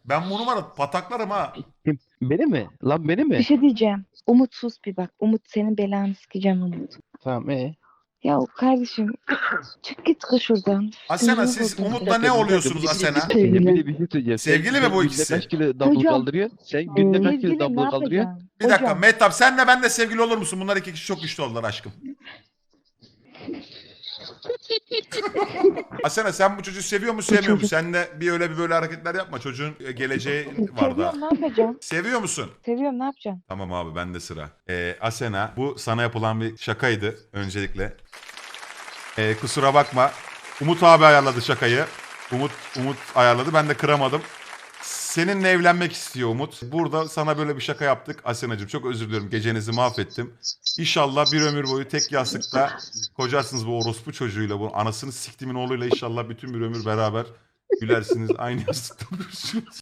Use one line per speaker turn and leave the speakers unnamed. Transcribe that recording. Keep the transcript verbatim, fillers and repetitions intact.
Ben bu numara pataklarım ha.
Kim? Beni mi? Lan beni
Bir
mi?
şey diyeceğim. Umut sus bir bak. Umut senin belanı sikeceğim Umut.
Tamam ee.
Ya kardeşim çık git kız şuradan.
Asena
Sinirimi
siz
bozdun.
Umut'la ne oluyorsunuz Asena?
Bir, bir, bir, bir şey söyleyeceğim.
Sevgili
sen,
mi
sen
bu
günde
ikisi?
kaç kilo dumbbell
Hocam.
kaldırıyorsun? Sen günde kaç kilo
Sevgilim ne
dumbbell kaldırıyorsun?
yapacağım?
Bir dakika
Hocam.
Mehtap senle ben de sevgili olur musun? Bunlar iki kişi çok güçlü oldular aşkım. Asena sen bu çocuğu seviyor mu sevmiyor musun?
çocuk-
Sen de bir öyle bir böyle hareketler yapma. Çocuğun e, geleceği var da.
Seviyorum ne yapacağım?
Seviyor musun?
Seviyorum ne yapacağım?
Tamam abi bende sıra. Ee, Asena bu sana yapılan bir şakaydı öncelikle. Ee, kusura bakma. Umut abi ayarladı şakayı. Umut Umut ayarladı. Ben de kıramadım. Seninle evlenmek istiyor Umut. Burada sana böyle bir şaka yaptık. Asenacığım çok özür diliyorum. Gecenizi mahvettim. İnşallah bir ömür boyu tek yastıkta kocarsınız bu orospu çocuğuyla. Bu anasını siktimin oğluyla inşallah bütün bir ömür beraber gülersiniz. Aynı yastıkta durursunuz.